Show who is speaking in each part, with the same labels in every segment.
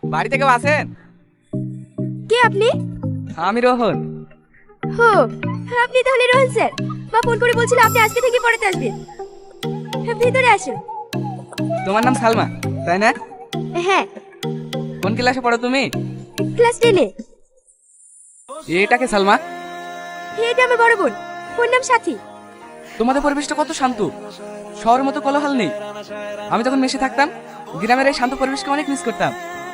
Speaker 1: বাড়ি থেকে আছেন?
Speaker 2: কে আপনি?
Speaker 1: আমি রোহন।
Speaker 2: হো, আপনি তাহলে রোহন স্যার। বা ফোন করে বলছিল আপনি আজকে থেকে পড়াতে আসবেন। ভিতরে আসুন।
Speaker 1: তোমার নাম সালমা তাই না?
Speaker 2: হ্যাঁ,
Speaker 1: কোন ক্লাসে পড়ো তুমি?
Speaker 2: ক্লাস 10-এ।
Speaker 1: এটাকে সালমা?
Speaker 2: এটা আমার বড় বোন, ওর নাম সাথী।
Speaker 1: তোমাদের পরিবেশটা কত শান্ত, শহরের মতো কোলাহল নেই। আমি যখন মেশে থাকতাম গ্রামের এই শান্ত পরিবেশকে অনেক মিস করতাম।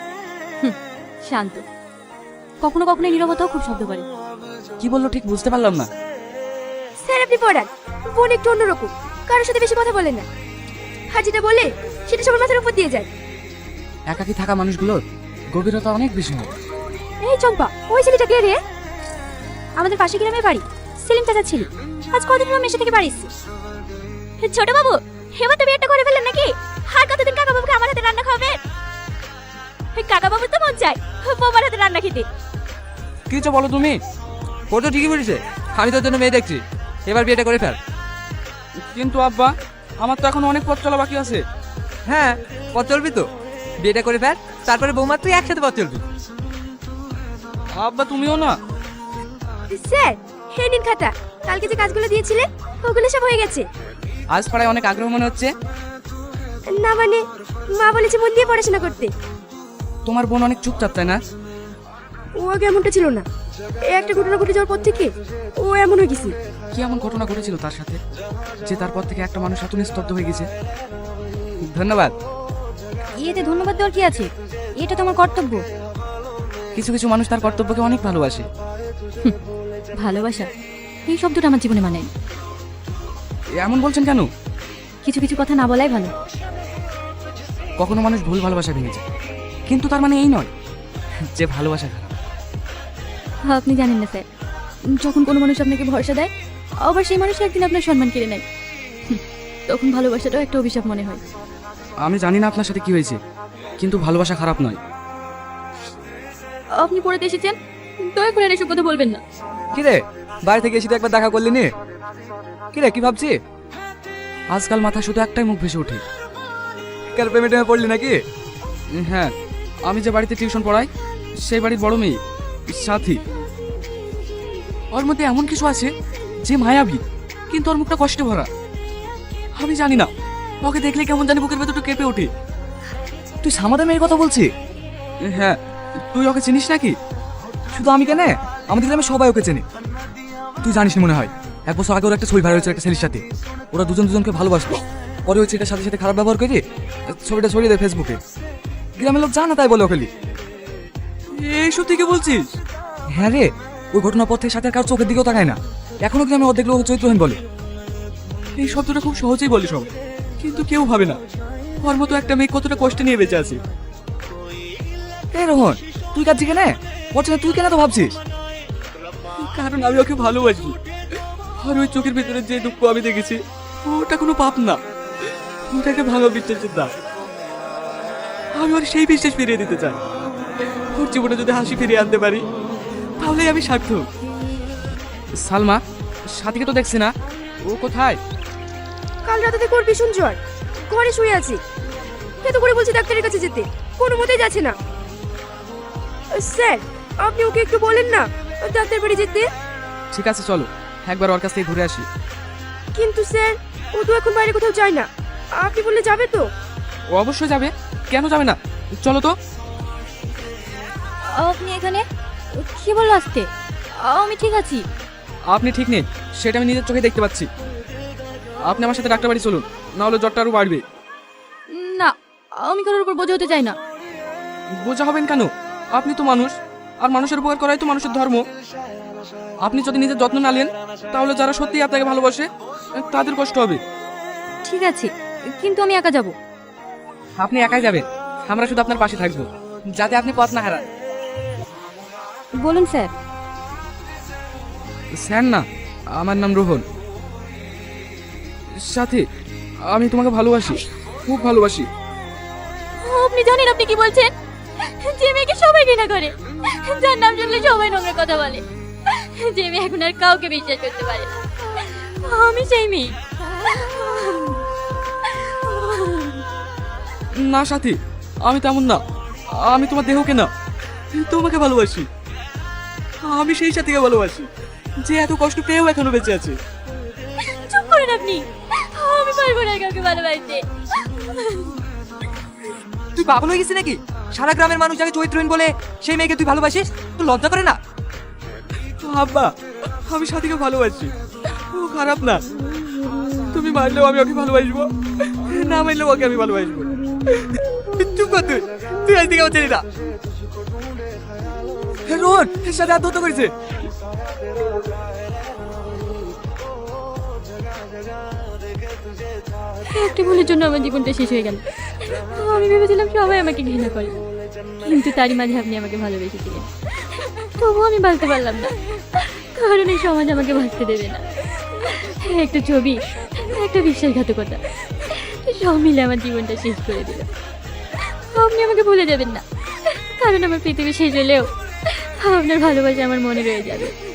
Speaker 3: শান্ত, কখনো কখনো নীরবতাও খুব শব্দ করে।
Speaker 1: কি বললো ঠিক বুঝতে পারলাম না।
Speaker 2: স্যার আপনি পড়ান, বোন একটু অন্যরকম, কারোর সাথে বেশি কথা বলেন না। আর যেটা বলে সেটা সবার মাথার উপর দিয়ে যায়।
Speaker 1: একাকি থাকা মানুষগুলোর গভীরতা অনেক বেশি হয়।
Speaker 2: এই চম্পা, ওই ছেলেটা কে রে? আমাদের পাশে গ্রামে বাড়ি, সেলিম চাচা ছিল। আজ কদিন হলো মেশে থেকে বাড়ি এসেছি। ছোট বাবু, এবার তুমি একটা করে ফেললেন নাকি? আর কতদিন কাকা বাবুকে আমার হাতে রান্না খাওয়াবে? কাকা বাবু তো মন চায় বৌমার হাতে রান্না খেতে।
Speaker 1: কিছু বলো তুমি? ও তো ঠিকই বলেছে, আমি তোর জন্য মেয়ে দেখছি, এবার বিয়েটা করে ফেল। কিন্তু আব্বা, আমার তো এখন অনেক পথ চলা বাকি আছে।
Speaker 4: হ্যাঁ, পথ চলবি তো, বিয়েটা করে ফেল, তারপরে বৌমা তুই একসাথে পথ চলবি।
Speaker 1: আব্বা তুমিও না?
Speaker 2: স্যার, হে নিন খাতা, কালকে যে কাজগুলো দিয়েছিলেন ওগুলো সব হয়ে গেছে।
Speaker 1: আজ পড়ায় অনেক আগ্রহ মনে হচ্ছে।
Speaker 2: না মানে, মা বলেছে মন দিয়ে পড়াশোনা করতে।
Speaker 1: তোমার বোন অনেক চুপচাপ তাই না?
Speaker 2: ও আগে এমনটা ছিল না, এই একটা ঘটনা ঘটে যাওয়ার পর থেকে ও এমন হয়ে গেছে।
Speaker 1: কি এমন ঘটনা ঘটেছিল তার সাথে যে তারপর থেকে একটা মানুষ এত নিস্তব্ধ হয়ে গেছে? ধন্যবাদ।
Speaker 3: এতে ধন্যবাদ দেওয়ার কি আছে? এটা তোমার কর্তব্য।
Speaker 1: কিছু কিছু মানুষ তার কর্তব্যকে অনেক ভালোবাসে।
Speaker 3: ভালোবাসা এই শব্দটা আমার জীবনে মানে না।
Speaker 1: এমন বলছেন কেন?
Speaker 3: কিছু কিছু কথা না বলাই ভালো।
Speaker 1: কখনো মানুষ ভুল ভালোবাসা ভেঙেছে, কিন্তু তার মানে এই নয় যে ভালোবাসা খারাপ।
Speaker 3: আপনি জানেন না স্যার, যখন কোনো মানুষ আপনাকে ভরসা দেয় আবার সেই মানুষ একদিন আপনার সম্মান কেড়ে নেয়, তখন ভালোবাসাটাও একটা অভিশাপ মনে হয়।
Speaker 1: আমি জানি না আপনার সাথে কি হয়েছে, কিন্তু ভালোবাসা খারাপ নয়।
Speaker 3: আপনি পড়াতে এসেছেন, দয়া করে আর এসব কথা বলবেন না।
Speaker 4: কিরে, বাড়ি থেকে এসে তো একবার দেখা করলি নি? কিরে, কি ভাবছি?
Speaker 1: আজকাল মাথায় শুধু একটাই মুখ ভেসে ওঠে।
Speaker 4: কার প্রেমে টেমে পড়লি নাকি?
Speaker 1: হ্যাঁ, আমি যে বাড়িতে টিউশন পড়াই সেই বাড়ির বড় মেয়ে সাথী। ওর মধ্যে এমন কিছু আছে যে মায়াবী, কিন্তু ওর মুখটা কষ্টে ভরা। আমি জানি না, ওকে দেখলে কেমন জানি বুকের ভেতরটা কেঁপে ওঠে।
Speaker 4: তুই সামাদের মেয়ের কথা বলছিস?
Speaker 1: হ্যাঁ, তুই ওকে চিনিস নাকি?
Speaker 4: শুধু আমি কেন, আমাদের গ্রামে সবাই ওকে চেনে। তুই জানিস না মনে হয়, 1 বছর আগে ওর একটা ছবি ভাইরাল হয়েছিল একটা ছেলের সাথে। ওরা দুজন দুজনকে ভালোবাসতো, পরে ওই ছেলেটার সাথে সাথে খারাপ ব্যবহার করে ছবিটা ছড়িয়ে দেয় ফেসবুকে। গ্রামের লোক জানা তাই বলে ওকে।
Speaker 1: এইসব থেকে বলছিস?
Speaker 4: হ্যাঁ রে, ওই ঘটনার পর থেকে সাথে আর কারোর চোখের দিকেও তাকায় না। এখনো গ্রামে অর্ধেক লোক চরিত্রহীন বলে।
Speaker 1: এই শব্দটা খুব সহজেই বলে সব, কিন্তু কেউ ভাবে না ওর মতো একটা মেয়ে কতটা কষ্ট নিয়ে বেঁচে আছে।
Speaker 4: এই রোহন, তুই কাঁদছিস কেন? বলছে তুই কেন তো ভাবছিস?
Speaker 1: কারণ আমি ওকে ভালোবাসি, আর ওই চোখের ভিতরে যে দুঃখ আমি দেখেছি ওটা কোনো পাপ না, ওটা একটা ভালো বিশ্বাসের দাম। আমি ওর সেই বিশ্বাস ফিরিয়ে দিতে চাই। ওর জীবনে যদি হাসি ফিরিয়ে আনতে পারি তাহলেই আমি সার্থক। সালমা, সাথীকে তো দেখছি না, ও কোথায়?
Speaker 2: কাল রাতে থেকে ওর ভীষণ জ্বর, ঘরে শুয়ে আছে। এত করে বলছি ডাক্তারের কাছে যেতে, কোনো মতেই যাচ্ছে না। স্যার, আপনি ওকে একটু বলেন না ডাক্তার বাড়ি যেতে।
Speaker 1: ঠিক আছে চলো একবার ওর কাছ থেকে ঘুরে আসি।
Speaker 2: কিন্তু স্যার, ও তো এখন বাইরে কোথাও যায় না, আপনি বললে যাবে তো?
Speaker 1: ও অবশ্যই যাবে, কেন যাবে না? চলো তো।
Speaker 3: আপনি এখানে কি বললো আসতে? আমি ঠিক আছি।
Speaker 1: আপনি ঠিক নেই সেটা আমি নিজের চোখে দেখতে পাচ্ছি। আপনি আমার সাথে ডাক্তার বাড়ি চলুন, না হলে জ্বরটা আরো বাড়বে।
Speaker 3: না, আমি কারোর উপর বোঝা হতে চাই না।
Speaker 1: বোঝা হবেন কেন? আপনি তো মানুষ, আর মানুষের উপকার করাই তো মানুষের ধর্ম। আপনি যদি নিজের যত্ন না নেন তাহলে যারা সত্যি আপনাকে ভালোবাসে তাদের কষ্ট হবে।
Speaker 3: ঠিক আছে, কিন্তু আমি একা যাব।
Speaker 1: আপনি একাই যাবেন, আমরা শুধু আপনার পাশে থাকবো, যাতে আপনি পথ না হারান।
Speaker 3: বলুন স্যার।
Speaker 1: স্যার না, আমার নাম রোহন। সাথী, আমি তোমাকে ভালোবাসি, খুব ভালোবাসি।
Speaker 3: আপনি জানেন আপনি কি বলছেন? যে মেয়েকে সবাই ঘৃণা করে, যার নাম শুনলে সবাই নোংরা কথা বলে, যে মেয়ে এখন আর কাউকে বিশ্বাস করতে পারে না, আমি সেই মেয়ে।
Speaker 1: না সাথী, আমি তেমন না। আমি তোমার দেহকে না, তোমাকে ভালোবাসি। আমি সেই সাথীকে ভালোবাসি যে এত কষ্ট পেয়েও এখনো বেঁচে আছে।
Speaker 3: চুপ করেন আপনি, আমি পারবো না কাউকে ভালোবাসতে।
Speaker 4: তুই পাগল হয়ে গেছিস নাকি? সারা গ্রামের মানুষ যাকে চরিত্রহীন বলে সেই মেয়েকে তুই ভালোবাসিস? তোর লজ্জা করে না?
Speaker 1: আব্বা, আমি সাথীকে ভালোবাসি, ও খারাপ না। তুমি মারলেও আমি ওকে ভালোবাসবো, না মারলেও ওকে আমি ভালোবাসবো। চুপ কর তুই, তুই আজ থেকে আমার ছেলে না।
Speaker 4: রোহন এর সাথে আত্মহত্যা করেছে।
Speaker 3: একটা ভুলের জন্য আমার জীবনটা শেষ হয়ে গেল। আমি ভেবেছিলাম সবাই আমাকে ঘৃণা করে, কিন্তু তারই মাঝে আপনি আমাকে ভালোবেসেছিলেন। তবুও আমি বাঁচতে পারলাম না, কারণ এই সমাজ আমাকে বাঁচতে দেবে না। একটা ছবি, একটা বিশ্বাসঘাতকতা, সব মিলে আমার জীবনটা শেষ করে দিল। আপনি আমাকে ভুলে যাবেন না, কারণ আমার পৃথিবী শেষ হলেও আপনার ভালোবাসা আমার মনে রয়ে যাবে।